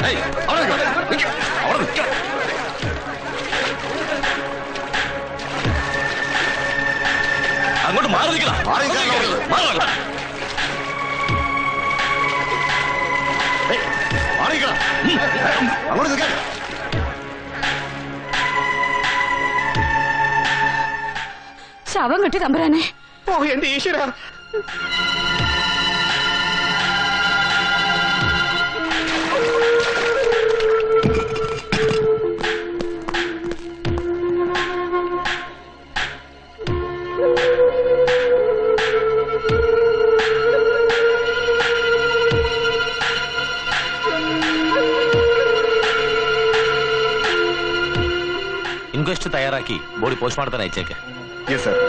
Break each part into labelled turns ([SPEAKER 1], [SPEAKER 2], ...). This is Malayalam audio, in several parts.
[SPEAKER 1] അങ്ങോട്ട് മാറി നിൽക്കണം. അങ്ങോട്ട് നിൽക്കാൻ.
[SPEAKER 2] ശവം കെട്ടി തമ്പുരാനെ.
[SPEAKER 3] ഓ എന്റെ ഈശ്വര.
[SPEAKER 1] ഇൻക്വസ്റ്റ് തയ്യാറാക്കി ബോഡി പോസ്റ്റ്മോർട്ടത്തിന് അയച്ചേക്ക്.
[SPEAKER 3] Yes sir.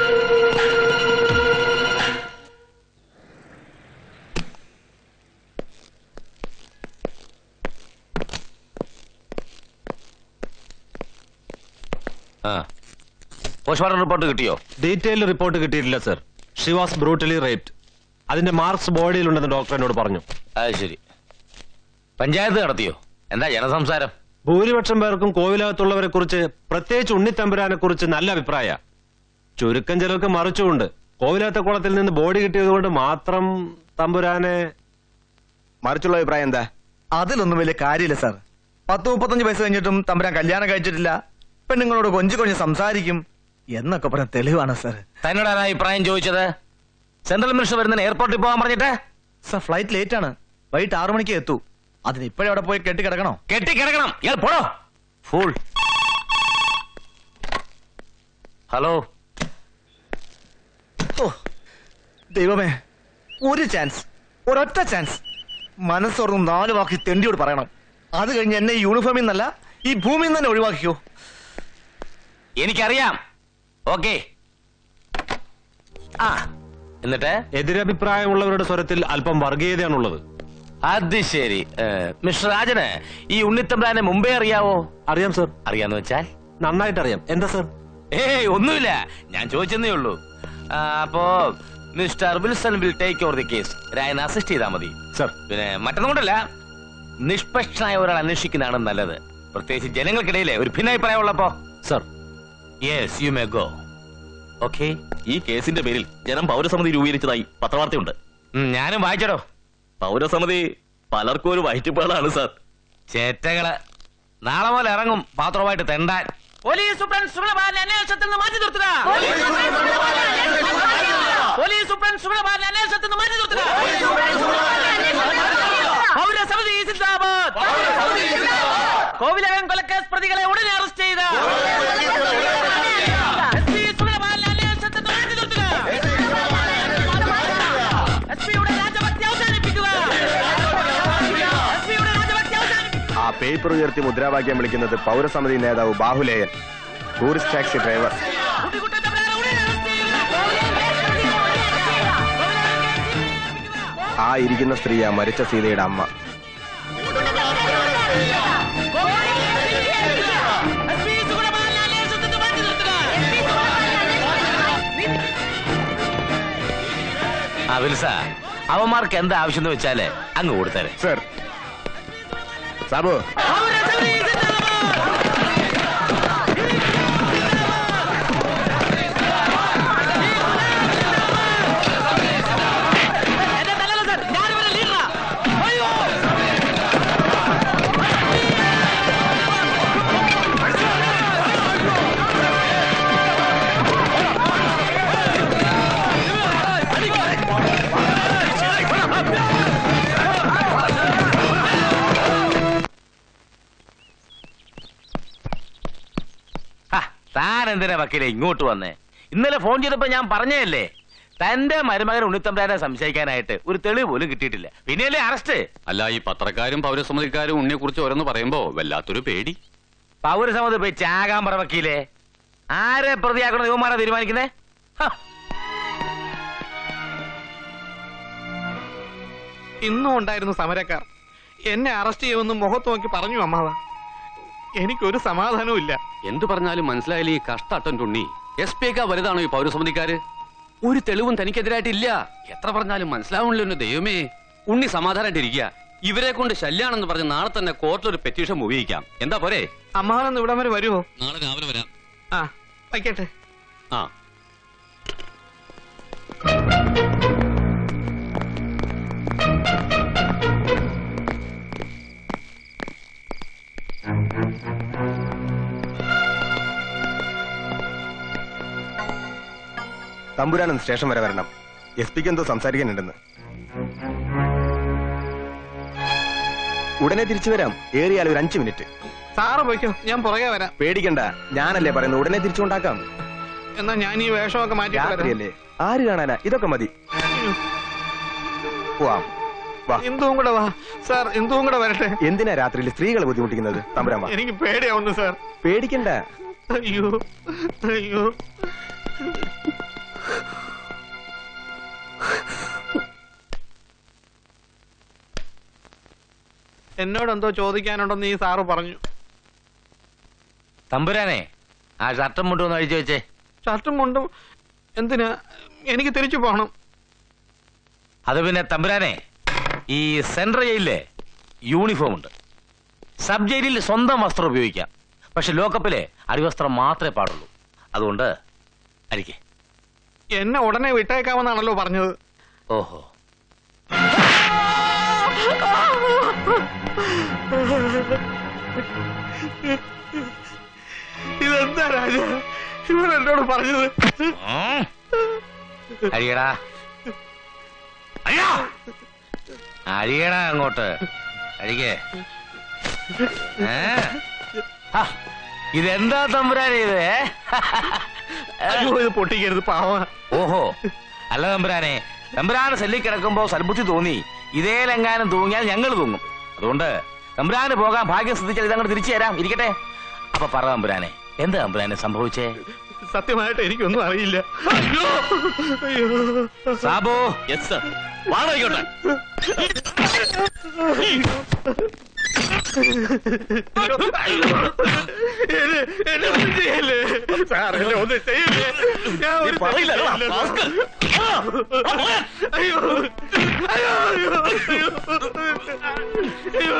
[SPEAKER 1] പോസ്റ്റ്മോർട്ടം റിപ്പോർട്ട് കിട്ടിയോ?
[SPEAKER 4] ഡീറ്റെയിൽഡ് റിപ്പോർട്ട് കിട്ടിയിട്ടില്ല sir. She was brutally raped. അതിന്റെ മാർക്സ് ബോഡിയിലുണ്ടെന്ന് ഡോക്ടർ എന്നോട് പറഞ്ഞു.
[SPEAKER 1] അത് ശരി. പഞ്ചായത്ത് നടത്തിയോ? എന്താ ജനസംസാരം?
[SPEAKER 4] ഭൂരിപക്ഷം പേർക്കും കോവിലകത്തുള്ളവരെ കുറിച്ച്, പ്രത്യേകിച്ച് ഉണ്ണിത്തമ്പുരാനെ കുറിച്ച് നല്ല അഭിപ്രായ. ചുരുക്കം ചിലർക്ക് മറിച്ചുകൊണ്ട് കോവിലകത്തെ കുളത്തിൽ നിന്ന് ബോഡി കിട്ടിയത് കൊണ്ട് മാത്രം തമ്പുരാനെ.
[SPEAKER 3] മറിച്ചുള്ള അഭിപ്രായം എന്താ?
[SPEAKER 5] അതിലൊന്നും വലിയ കാര്യമില്ല സാർ. 10-35 വയസ്സ് കഴിഞ്ഞിട്ടും തമ്പുരാൻ കല്യാണം കഴിച്ചിട്ടില്ല, പെണ്ണുങ്ങളോട് കൊഞ്ചു സംസാരിക്കും എന്നൊക്കെ പറഞ്ഞ തെളിവാണ് സാർ.
[SPEAKER 1] തന്നോട് ആരാ അഭിപ്രായം ചോദിച്ചത്? സെൻട്രൽ മിനിസ്റ്റർ വരുന്ന എയർപോർട്ടിൽ പോകാൻ പറഞ്ഞിട്ട്?
[SPEAKER 5] സാർ ഫ്ലൈറ്റ് ലേറ്റ് ആണ്, വൈകിട്ട് 6 മണിക്ക് എത്തൂ. അതിന് ഇപ്പോഴും അവിടെ പോയി കെട്ടിക്കിടക്കണോ?
[SPEAKER 1] കെട്ടിക്കിടക്കണം. ഇയാൾ പോടോ ഫൂൾ. ഹലോ.
[SPEAKER 5] ഓ ദൈവമേ, ഒരു ചാൻസ്, ഒരൊറ്റ ചാൻസ്. മനസ്സോർന്നും 4 വാക്ക് തെണ്ടിയോട് പറയണം. അത് കഴിഞ്ഞ് എന്നെ ഈ യൂണിഫോമിൽ നിന്നല്ല, ഈ ഭൂമിയിൽ നിന്ന് തന്നെ ഒഴിവാക്കിയോ.
[SPEAKER 1] എനിക്കറിയാം. ഓക്കെ. എന്നിട്ട്
[SPEAKER 4] എതിരഭിപ്രായമുള്ളവരുടെ സ്വരത്തിൽ അല്പം വർഗീയതയാണുള്ളത്.
[SPEAKER 1] അത് ശരി. മിസ്റ്റർ രാജന് ഈ ഉണ്ണിത്തമ്പ്രാനെ മുമ്പേ അറിയാവോ?
[SPEAKER 4] അറിയാം സർ.
[SPEAKER 1] അറിയാന്ന് വെച്ചാൽ?
[SPEAKER 4] നന്നായിട്ട് അറിയാം. എന്താ സർ?
[SPEAKER 1] ഒന്നുമില്ല, ഞാൻ ചോദിച്ചെന്നേ ഉള്ളൂ. അപ്പോ mister Wilson will take over the case. Rayan assist ചെയ്താൽ മതി
[SPEAKER 4] സർ.
[SPEAKER 1] പിന്നെ മറ്റൊന്നും കൊണ്ടല്ല, നിഷ്പക്ഷനായ ഒരാൾ അന്വേഷിക്കുന്നതാണ് നല്ലത്, പ്രത്യേകിച്ച് ജനങ്ങൾക്കിടയിലെ ഒരു ഭിന്നാഭിപ്രായം ഉള്ളപ്പോ.
[SPEAKER 4] Sir.
[SPEAKER 1] Yes, you may go. Okay.
[SPEAKER 6] ഈ കേസിന്റെ പേരിൽ ജനം പൗരസമിതി രൂപീകരിച്ചതായി പത്രവാർത്തയുണ്ട്.
[SPEAKER 1] ഞാനും വായിച്ചടോ.
[SPEAKER 6] പൗരസമിതി പലർക്കും ഒരു വയറ്റിപ്പാടാണ് സാർ.
[SPEAKER 1] ചേറ്റകള് നാളെ പോലെ ഇറങ്ങും പാത്രമായിട്ട് തെണ്ടാൻ. പോലീസ് സൂപ്രണ്ട് സുഗതബാലനെ അന്വേഷണത്തിൽ നിന്ന് മാറ്റി നിർത്തുക. പോലീസ് സൂപ്രണ്ട് സുഗതബാലനെ അന്വേഷണത്തിൽ നിന്ന് മാറ്റി നിർത്തുക. പൗരസമിതി സിന്ദാബാദ്. കോവിലകം കൊലക്കേസ് പ്രതികളെ ഉടനെ അറസ്റ്റ് ചെയ്ത
[SPEAKER 3] പേപ്പർ ഉയർത്തി മുദ്രാവാക്യം വിളിക്കുന്നത് പൗരസമിതി നേതാവ് ബാഹുലേയൻ, ടൂറിസ്റ്റ് ടാക്സി ഡ്രൈവർ. ആ ഇരിക്കുന്ന സ്ത്രീയാ മരിച്ച സീതയുടെ അമ്മ.
[SPEAKER 1] വിൽസ, അവന്മാർക്ക് എന്താ ആവശ്യം എന്ന് വെച്ചാല് അങ്ങ് കൊടുത്തരെ.
[SPEAKER 3] സർ. സാബു.
[SPEAKER 1] താൻ എന്തിനാ വക്കീലെ ഇങ്ങോട്ട് വന്നേ? ഇന്നലെ ഫോൺ ചെയ്തപ്പോ ഞാൻ പറഞ്ഞല്ലേ, തന്റെ മരുമകൻ ഉണ്ണിത്തമ്പ്രാനെ സംശയിക്കാനായിട്ട് ഒരു തെളിവ് പോലും കിട്ടിയിട്ടില്ല. പിന്നെയല്ലേ അറസ്റ്റ്?
[SPEAKER 6] അല്ല, ഈ പത്രക്കാരും പൗരസമിതിക്കാരും ഉണ്ണിയെ കുറിച്ച് ഓരോന്ന് പറയുമ്പോ വല്ലാത്തൊരു പേടി.
[SPEAKER 1] പൗരസമിതി പോയി ചാകാൻ പറ വക്കീലെ. ആരെ പ്രതിയാക്കണം യുവമാരാ തീരുമാനിക്കുന്നേ?
[SPEAKER 7] ഇന്നും ഉണ്ടായിരുന്നു സമരക്കാർ. എന്നെ അറസ്റ്റ് ചെയ്യുമെന്ന് മുഖത്ത് നോക്കി പറഞ്ഞു അമ്മാവ. എനിക്കൊരു സമാധാനവും ഇല്ല.
[SPEAKER 6] എന്തു പറഞ്ഞാലും മനസ്സിലായാലും ഈ കഷ്ടട്ടൻ ഉണ്ണി SP വലുതാണോ ഈ പൗരസമിതിക്കാര്? ഒരു തെളിവും തനിക്കെതിരായിട്ടില്ല. എത്ര പറഞ്ഞാലും മനസ്സിലാവണല്ലോ ദൈവമേ. ഉണ്ണി സമാധാനമായിട്ടിരിക്കുക. ഇവരെ കൊണ്ട് ശല്യാണെന്ന് പറഞ്ഞ് നാളെ തന്നെ കോർട്ടിൽ ഒരു പെറ്റീഷൻ ഉപയോഗിക്കാം. എന്താ പോരെ?
[SPEAKER 7] അമ്മാവനൊന്ന് ഇവിടം വരെ വരുമോ?
[SPEAKER 6] നാളെ രാവിലെ വരാം.
[SPEAKER 7] ആ വയ്ക്കട്ടെ.
[SPEAKER 6] ആ
[SPEAKER 3] തമ്പുരാനൊന്ന് സ്റ്റേഷൻ വരെ വരണം. എസ് പിക്ക് എന്തോ സംസാരിക്കാനുണ്ടെന്ന്. ഉടനെ തിരിച്ചു വരാം. ഏറിയാൽ ഒരു 5 മിനിറ്റ്.
[SPEAKER 7] സാറ് പോയിക്കോ, ഞാൻ പുറകെ വരാം.
[SPEAKER 3] പേടിക്കണ്ട, ഞാനല്ലേ പറയുന്നത്. ഉടനെ തിരിച്ചുകൊണ്ടാക്കാം.
[SPEAKER 7] എന്നാ ഞാൻ ഈ വേഷമൊക്കെ മാറ്റി
[SPEAKER 3] രാത്രിയല്ലേ, ആര് കാണാനാ? ഇതൊക്കെ മതി. പോവാം, വാ.
[SPEAKER 7] ഇന്ദുവും കൂടെ വാ സാർ, ഇന്ദുവും കൂടെ വരട്ടെ.
[SPEAKER 3] എന്തിനാ രാത്രിയിൽ സ്ത്രീകളെ ബുദ്ധിമുട്ടിക്കുന്നത്? തമ്പുരാൻ വാ.
[SPEAKER 7] എനിക്ക് പേടിയാവുന്നു സാർ.
[SPEAKER 3] പേടിക്കണ്ട.
[SPEAKER 7] അയ്യോ അയ്യോ. എന്നോടെന്തോ ചോദിക്കാനുണ്ടെന്ന് ഈ സാറ് പറഞ്ഞു.
[SPEAKER 1] തമ്പുരാനെ, ആ ഷർട്ടും മുണ്ടും ഒന്ന് അഴിച്ചു വെച്ചേ.
[SPEAKER 7] ഷർട്ടും മുണ്ടും എന്തിനാ? എനിക്ക് തിരിച്ചു പോകണം.
[SPEAKER 1] അത് പിന്നെ തമ്പുരാനെ, ഈ സെൻട്രൽ ജയിലിലെ യൂണിഫോം ഉണ്ട്. സബ് ജയിലിൽ സ്വന്തം വസ്ത്രം ഉപയോഗിക്കാം. പക്ഷെ ലോക്കപ്പിലെ അടിവസ്ത്രം മാത്രമേ പാടുള്ളൂ. അതുകൊണ്ട് അഴിക്കേ.
[SPEAKER 7] എന്നെ ഉടനെ വിട്ടേക്കാമെന്നാണല്ലോ പറഞ്ഞത്.
[SPEAKER 1] ഓഹോ,
[SPEAKER 7] ഇതെന്താ രാജ ഇവൻ എന്നോട് പറഞ്ഞത്?
[SPEAKER 1] അഴിയടാ, അഴിയടാ അങ്ങോട്ട്. അഴിക്കേ. ഇതെന്താ തമ്പുരാനെ ഇത്?
[SPEAKER 7] അയ്യോ, ഇത് പൊട്ടിക്കരുത്, പാവ.
[SPEAKER 1] ഓഹോ, അല്ല തമ്പുരാനെ, തമ്പുരാന് സെല്ലിൽ കിടക്കുമ്പോ സൽബുദ്ധി തോന്നി ഇതേലെങ്ങാനും തൂങ്ങിയാൽ ഞങ്ങൾ തൂങ്ങും. അതുകൊണ്ട് തമ്പുരാന് പോകാൻ ഭാഗ്യം ശ്രദ്ധിച്ചാൽ ഇതങ്ങോട്ട് തിരിച്ചു തരാം. ഇരിക്കട്ടെ. അപ്പൊ പറ തമ്പുരാനെ, എന്താ തമ്പുരാനെ സംഭവിച്ചേ?
[SPEAKER 7] സത്യമായിട്ട് എനിക്കൊന്നും അറിയില്ല. അയ്യോ അയ്യോ.
[SPEAKER 1] സാബു. Yes sir. വാടകയ്ക്കോട്ടെ.
[SPEAKER 7] സാർ എന്നെ ഒന്ന് ചെയ്യല്ലേ. ഞാൻ ഒരു
[SPEAKER 1] പറയില്ല.
[SPEAKER 7] അയ്യോ അയ്യോ അയ്യോ അയ്യോ.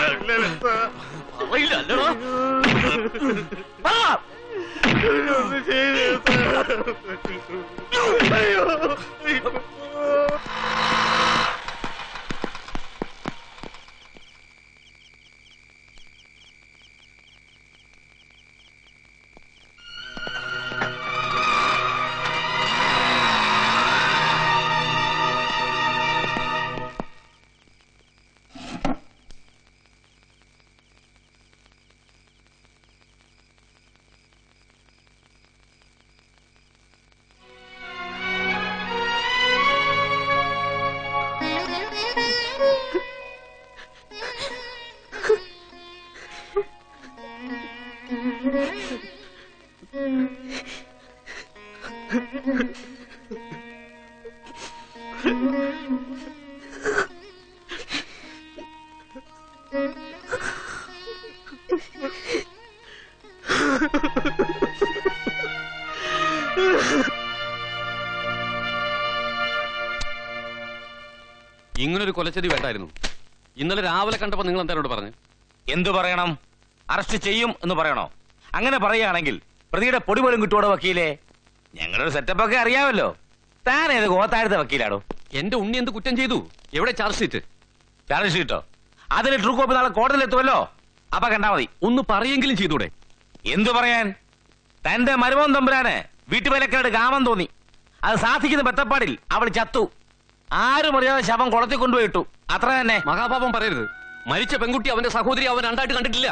[SPEAKER 6] ഇങ്ങനൊരു കൊലച്ചതി വേണ്ടായിരുന്നു. ഇന്നലെ രാവിലെ കണ്ടപ്പോ നിങ്ങൾ എന്താ പറഞ്ഞു?
[SPEAKER 1] എന്തു പറയണം? അറസ്റ്റ് ചെയ്യും എന്ന് പറയണോ? അങ്ങനെ പറയുകയാണെങ്കിൽ പ്രതിയുടെ പൊടി പോലും കിട്ടുവോടോ വക്കീലേ? ഞങ്ങളുടെ സെറ്റപ്പൊക്കെ അറിയാമല്ലോ. താൻ ഏത് ഗോത്താഴത്തെ വക്കീലാണോ?
[SPEAKER 6] എന്റെ ഉണ്ണി എന്ത് കുറ്റം ചെയ്തു? എവിടെ ചാർജ് ഷീറ്റ്?
[SPEAKER 1] ചാർജ് ഷീറ്റോ? അതിന് ട്രൂ കോപ്പി നാളെ കോടതിയിൽ എത്തുമല്ലോ. അപ്പൊ കണ്ടാ മതി.
[SPEAKER 6] ഒന്ന് പറയെങ്കിലും ചെയ്തൂടെ?
[SPEAKER 1] എന്തു പറയാൻ? തന്റെ മരുമോൻ തമ്പുരാന് വീട്ടുവേലക്കാരുടെ കാമം തോന്നി. അത് സാധിക്കുന്ന ബത്തപ്പാടിൽ അവൾ ചത്തു. ആരും അറിയാതെ ശവം കുളത്തിൽ കൊണ്ടുപോയിട്ടു. അത്ര തന്നെ.
[SPEAKER 6] മഹാപാപം പറയരുത്. മരിച്ച പെൺകുട്ടി അവന്റെ സഹോദരി അവൻ രണ്ടായിട്ട് കണ്ടിട്ടില്ല.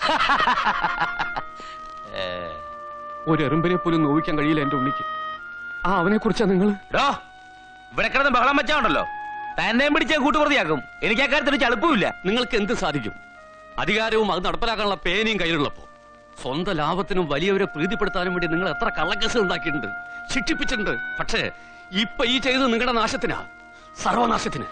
[SPEAKER 6] ഒരു എറുമ്പിനെ പോലും നോവിക്കാൻ കഴിയില്ല എന്റെ ഉണ്ണിക്ക്. ആ അവനെ കുറിച്ചാ നിങ്ങൾ
[SPEAKER 1] ഇവിടെ കിടന്ന് ബഹളം വെച്ചാണ്ടല്ലോ. തന്നെയും പിടിച്ച കൂട്ടുപ്രതിയാക്കും. എനിക്ക് അക്കാര്യത്തിൽ ചളുപ്പമില്ല.
[SPEAKER 6] നിങ്ങൾക്ക് എന്ത് സാധിക്കും? അധികാരവും അത് നടപ്പിലാക്കാനുള്ള പേനയും കയ്യിലുള്ളപ്പോ സ്വന്തം ലാഭത്തിനും വലിയവരെ പ്രീതിപ്പെടുത്താനും വേണ്ടി നിങ്ങൾ എത്ര കള്ളക്കേസ് ഉണ്ടാക്കിയിട്ടുണ്ട്, ശിക്ഷിപ്പിച്ചിട്ടുണ്ട്. പക്ഷേ ഇപ്പൊ ഈ ചെയ്തത് നിങ്ങളുടെ നാശത്തിനാ, സർവനാശത്തിന്.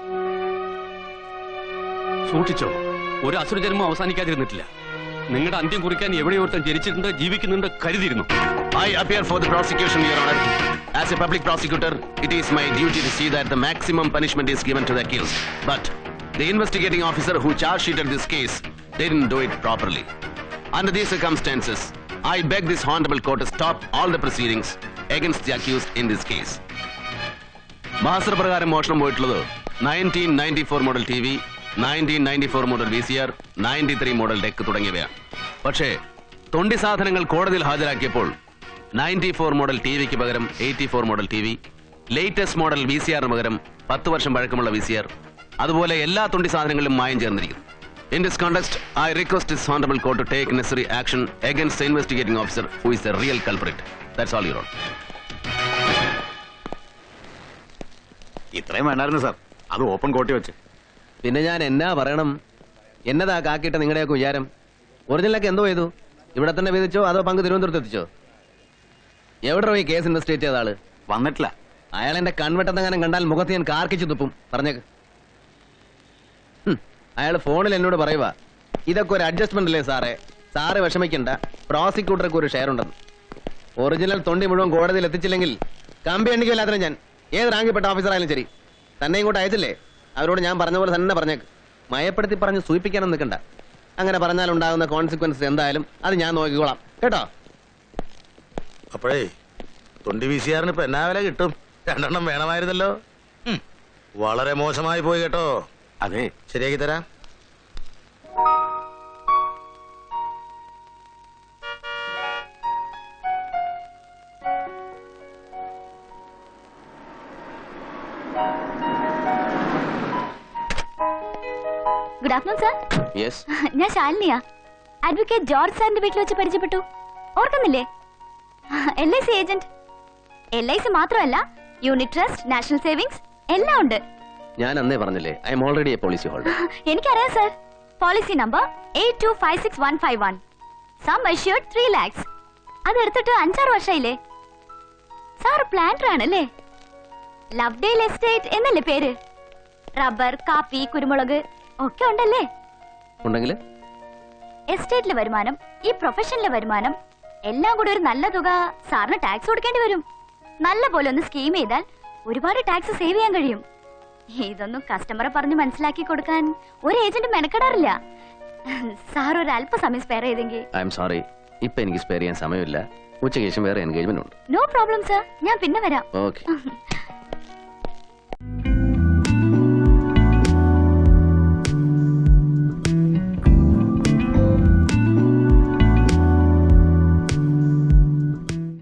[SPEAKER 6] സൂക്ഷിച്ചോ, ഒരു അസുരജന്മം അവസാനിക്കാതിരുന്നിട്ടില്ല. നിങ്ങളുടെ അന്ത്യം കുറിക്കാൻ എവിടെയോർത്തം ജനിച്ചിട്ടുണ്ട്, ജീവിക്കുന്നുണ്ട്, കരുതിയിരുന്നു.
[SPEAKER 8] I appear for the prosecution, Your Honor. As a public prosecutor, it is my duty to see that the maximum punishment is given to the accused. But The investigating officer who charge sheeted this case didn't do it properly. Under these circumstances, I beg this honorable court to stop all the proceedings against the accused in this case. മാസ്റ്റർ പ്രകാരം മോഷണം പോയിട്ടുള്ളത് 1994 model T V, 1994 model VCR, 93 model deck തുടങ്ങിയവയാണ്. പക്ഷേ തൊണ്ടി സാധനങ്ങൾ കോടതിയിൽ ഹാജരാക്കിയപ്പോൾ 94 മോഡൽ ടി വിക്ക് പകരം 84 model T V, latest model VCRന് പകരം 10 വർഷം പഴക്കമുള്ള VCR, അതുപോലെ എല്ലാ തൊണ്ടി സാധനങ്ങളിലും മായം ചേർന്നിരിക്കുന്നു. In this context, I request this honorable court to take necessary action against the investigating officer who is the real culprit. That's all, Your Honor.
[SPEAKER 3] ഇത്രയും വേണ്ടായിരുന്നു സാർ, അത് ഓപ്പൺ കോട്ടി വെച്ച്.
[SPEAKER 8] പിന്നെ ഞാൻ എന്നാ പറയണം? എന്നതാ കാക്കിട്ട നിങ്ങളുടെയൊക്കെ വിചാരം? ഒറിജിനലൊക്കെ എന്തോ ചെയ്തു? ഇവിടെ തന്നെ വിധിച്ചോ അതോ പങ്ക് തിരുവനന്തപുരത്ത് എത്തിച്ചോ? എവിടെ ഈ കേസ് ഇൻവെസ്റ്റിഗേറ്റ് ചെയ്ത ആള്?
[SPEAKER 3] വന്നിട്ടില്ല.
[SPEAKER 8] അയാൾ എന്റെ കൺവെട്ടെന്നെങ്ങനെ കണ്ടാൽ മുഖത്ത് ഞാൻ കാർക്കിച്ചു തുപ്പും. പറഞ്ഞേക്ക്. അയാൾ ഫോണിൽ എന്നോട് പറയുക, ഇതൊക്കെ ഒരു അഡ്ജസ്റ്റ്മെന്റ് അല്ലേ സാറേ, സാറ് വിഷമിക്കണ്ട, പ്രോസിക്യൂട്ടർക്ക് ഒരു ഷെയർ ഉണ്ടെന്ന്. ഒറിജിനൽ തൊണ്ടി മുഴുവൻ കോടതിയിൽ എത്തിച്ചില്ലെങ്കിൽ കമ്പി എണ്ണിക്കില്ലാത്ത ഞാൻ ഏത് റാങ്കിൽപ്പെട്ട ഓഫീസറായാലും ശരി തന്നെ ഇങ്ങോട്ട് അയച്ചില്ലേ, അവരോട് ഞാൻ പറഞ്ഞ പോലെ തന്നെ പറഞ്ഞേക്ക്. മയപ്പെടുത്തി പറഞ്ഞ് സൂചിപ്പിക്കാനും നിൽക്കണ്ട. അങ്ങനെ പറഞ്ഞാലുണ്ടാകുന്ന കോൺസിക്വൻസ് എന്തായാലും അത് ഞാൻ നോക്കിക്കോളാം കേട്ടോ.
[SPEAKER 1] അപ്പോഴേ തൊണ്ടി VCRന് ഇപ്പൊ എന്നാ വില കിട്ടും? 2 എണ്ണം വേണമായിരുന്നല്ലോ. വളരെ മോശമായി പോയി കേട്ടോ.
[SPEAKER 3] അതെ,
[SPEAKER 1] ശരിയാക്കി തരാം.
[SPEAKER 2] Good afternoon sir.
[SPEAKER 8] യെസ്,
[SPEAKER 2] ഞാൻ ശാലിനിയാ. അഡ്വക്കേറ്റ് ജോർജ് സാറിന്റെ വീട്ടിൽ വെച്ച് പരിചയപ്പെട്ടു. ഓർക്കുന്നില്ലേ? LIC agent. LIC മാത്രമല്ല, യൂണിറ്റ് ട്രസ്റ്റ്, നാഷണൽ സേവിങ്സ് എല്ലാം ഉണ്ട്.
[SPEAKER 8] ഞാൻ അന്നേ പറഞ്ഞില്ലേ, I am already a policy holder.
[SPEAKER 2] എനിക്കറിയാം sir. Policy number 8256151. Sum assured 3 lakhs. അതെടുത്തിട്ട് 5-6 വർഷമായില്ലേ? സാർ പ്ലാന്റർ ആണല്ലേ? ലവ്ഡേൽ എസ്റ്റേറ്റ് എന്നല്ലേ പേര്? റബ്ബർ, കാപ്പി, കുരുമുളക് ഒക്കെ ഉണ്ടല്ലേ?
[SPEAKER 8] ഉണ്ടെങ്കിൽ
[SPEAKER 2] എസ്റ്റേറ്റിലെ വരുമാനം, ഈ പ്രൊഫഷനിലെ വരുമാനം എല്ലാം കൂടി ഒരു നല്ല തുക സാറിന് ടാക്സ് കൊടുക്കേണ്ടി വരും. നല്ല പോലെ ഒന്ന് സ്കീം ചെയ്താൽ ഒരുപാട് ടാക്സ് സേവ് ചെയ്യാൻ കഴിയും. ഇതൊന്നും കസ്റ്റമറെ പറഞ്ഞ് മനസ്സിലാക്കി കൊടുക്കാൻ ഒരു ഏജന്റ് മെനക്കെടാറില്ല. സാർ ഒരു അല്പസമയം സ്പെയർ ചെയ്തെങ്കിൽ.
[SPEAKER 8] ഐ എം സോറി, ഇപ്പൊ എനിക്ക് സ്പെയർ ചെയ്യാൻ സമയമില്ല. ഉച്ചയ്ക്ക് ശേഷം വേറെ എൻഗേജ്മെന്റ് ഉണ്ട്.
[SPEAKER 2] നോ പ്രോബ്ലം സാർ, ഞാൻ പിന്നെ വരാം.
[SPEAKER 8] ഓക്കെ.